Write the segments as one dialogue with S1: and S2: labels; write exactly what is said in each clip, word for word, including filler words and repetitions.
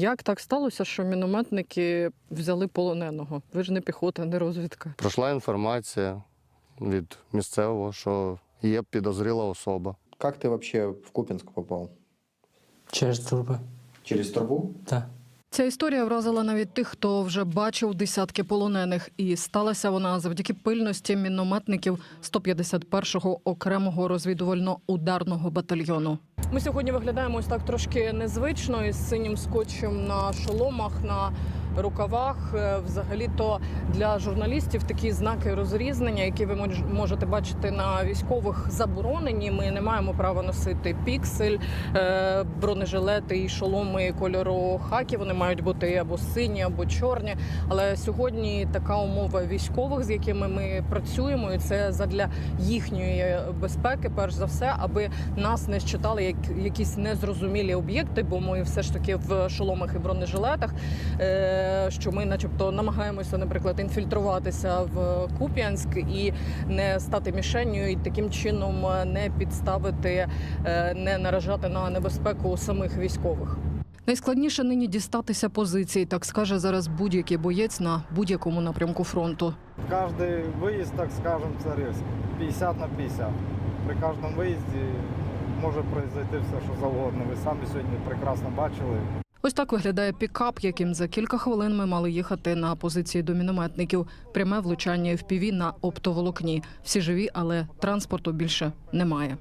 S1: Як так сталося, що мінометники взяли полоненого? Ви ж не піхота, не розвідка.
S2: Пройшла інформація від місцевого, що є підозріла особа.
S3: Как ты вообще в Купинск попал?
S4: Через трубы.
S3: Через трубу?
S4: Да.
S1: Ця історія вразила навіть тих, хто вже бачив десятки полонених. І сталася вона завдяки пильності мінометників сто п'ятдесят першого окремого розвідувально-ударного батальйону. Ми сьогодні виглядаємо ось так трошки незвично, із синім скотчем на шоломах, на рукавах. Взагалі-то для журналістів такі знаки розрізнення, які ви можете бачити на військових, заборонені. Ми не маємо права носити піксель, бронежилети і шоломи кольору хакі. Вони мають бути або сині, або чорні. Але сьогодні така умова військових, з якими ми працюємо, і це задля їхньої безпеки, перш за все, аби нас не считали як якісь незрозумілі об'єкти, бо ми все ж таки в шоломах і бронежилетах, що ми начебто намагаємося, наприклад, інфільтруватися в Куп'янськ і не стати мішенню, і таким чином не підставити, не наражати на небезпеку самих військових. Найскладніше нині дістатися позицій, так скаже зараз будь-який боєць на будь-якому напрямку фронту.
S5: Каждый выезд, так скажем, це риск. п'ятдесят на п'ятдесят. При кожному виїзді може произойти все, що завгодно. Ви самі сьогодні прекрасно бачили.
S1: Ось так виглядає пікап, яким за кілька хвилин ми мали їхати на позиції до мінометників. Пряме влучання еф пі ві на оптоволокні. Всі живі, але транспорту більше немає.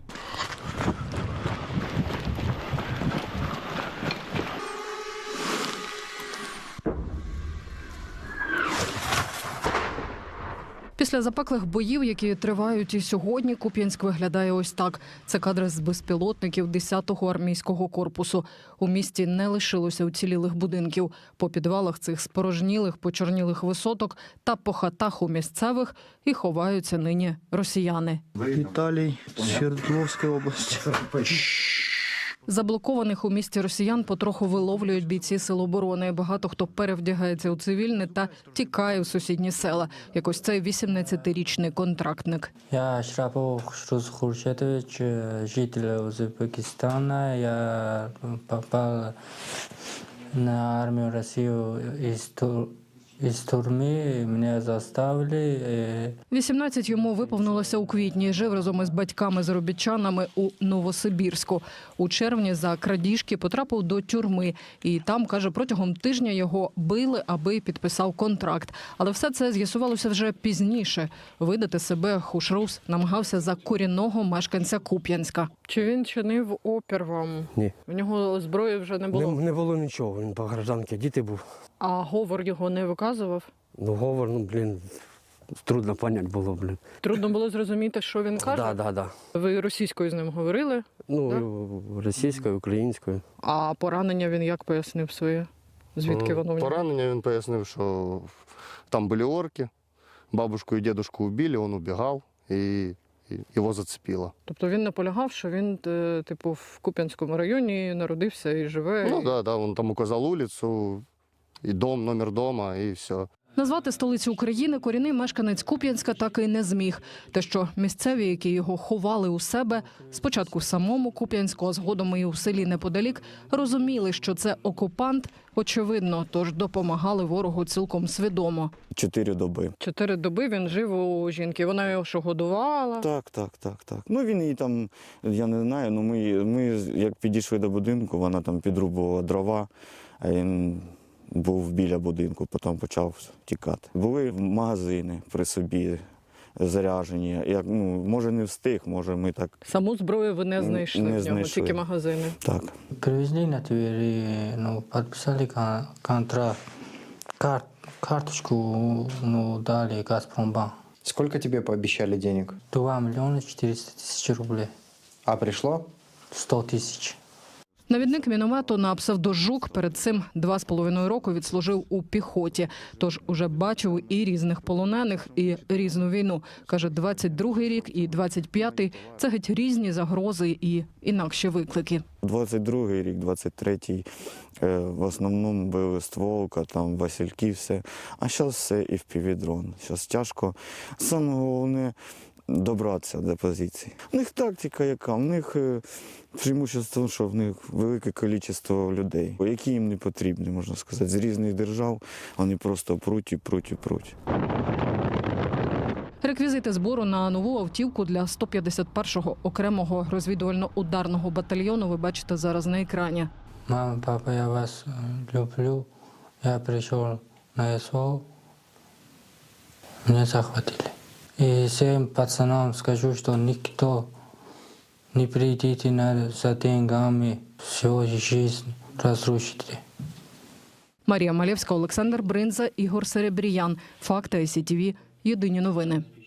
S1: Після запеклих боїв, які тривають і сьогодні, Куп'янськ виглядає ось так. Це кадри з безпілотників десятого армійського корпусу. У місті не лишилося уцілілих будинків. По підвалах цих спорожнілих, почорнілих висоток та по хатах у місцевих і ховаються нині росіяни.
S6: Віталій, Свердловська область.
S1: Заблокованих у місті росіян потроху виловлюють бійці Сил оборони. Багато хто перевдягається у цивільне та тікає в сусідні села. Як ось цей вісімнадцятирічний контрактник.
S4: Я Шрапов Шрус Хуршетович, житель Узбекистана. Я попал на армию России из Тур... Із тюрми мене заставили.
S1: вісімнадцять йому виповнилося у квітні. Жив разом із батьками-заробітчанами у Новосибірську. У червні за крадіжки потрапив до тюрми. І там, каже, протягом тижня його били, аби підписав контракт. Але все це з'ясувалося вже пізніше. Видати себе Хушрус намагався за корінного мешканця Куп'янська. Чи він чинив опір вам?
S6: Ні.
S1: В нього зброї вже не було?
S6: Не, не було нічого, він по гражданці діти був.
S1: А говор його не виказував?
S6: Ну, говор, ну, блін, трудно поняти було, блін.
S1: Трудно було зрозуміти, що він каже?
S6: Так, так, так.
S1: Ви російською з ним говорили?
S6: Ну, російською, українською.
S1: А поранення він як пояснив своє? Звідки воно в нього?
S2: Поранення він пояснив, що там були орки, бабушку і дедушку убили, він убігав і його зацепило.
S1: Тобто він наполягав, що він, типу, в Куп'янському районі народився і живе?
S2: Ну, так, да, да, він там указав вулицю, і дом, номер дома, і все.
S1: Назвати столицю України корінний мешканець Куп'янська так і не зміг. Те, що місцеві, які його ховали у себе, спочатку в самому Куп'янську, а згодом і у селі неподалік, розуміли, що це окупант, очевидно, тож допомагали ворогу цілком свідомо.
S7: Чотири доби.
S1: Чотири доби він жив у жінки. Вона його що, годувала?
S7: Так, так, так, так. Ну він її там, я не знаю, ну ми, ми як підійшли до будинку, вона там підрубувала дрова, а він був біля будинку, потім почав тікати. Були магазини при собі заряджені. Як, ну, може не встиг, може ми так...
S1: Саму зброю ви не знайшли
S7: не
S1: в нього,
S7: знайшли.
S1: тільки магазини?
S7: Так.
S4: Привезли на Твери, ну, подписали кон- контракт. Кар- карточку, ну, дали Газпромбанк.
S3: Сколько тебе пообещали денег?
S4: два миллиона четыреста тысяч рублей.
S3: А пришло?
S4: сто тысяч.
S1: Навідник міномету на псевдожук перед цим два з половиною року відслужив у піхоті. Тож уже бачив і різних полонених, і різну війну. Каже, двадцять другий рік і двадцять п'ятий – це геть різні загрози і інакші виклики.
S7: двадцять другий рік, двадцять третій е, в основному били стволка, там Васильки, все. А зараз все і в півдрон. Зараз тяжко. Саме головне, добратися до позиції. У них тактика яка, у них е, преимущество, що в них велике кількість людей, які їм не потрібні, можна сказати, з різних держав, вони просто пруть і пруть і пруть.
S1: Реквізити збору на нову автівку для сто п'ятдесят першого окремого розвідувально-ударного батальйону ви бачите зараз на екрані.
S4: Мама, папа, я вас э, люблю. Я пришел на СВО. Меня захватили. И всем пацанам скажу, что никто не придите на, за деньгами, всю жизнь разрушите.
S1: Марія Малєвська, Олександр Бринза, Ігор Серебріян. Факти ай сі ті ві. Єдині новини.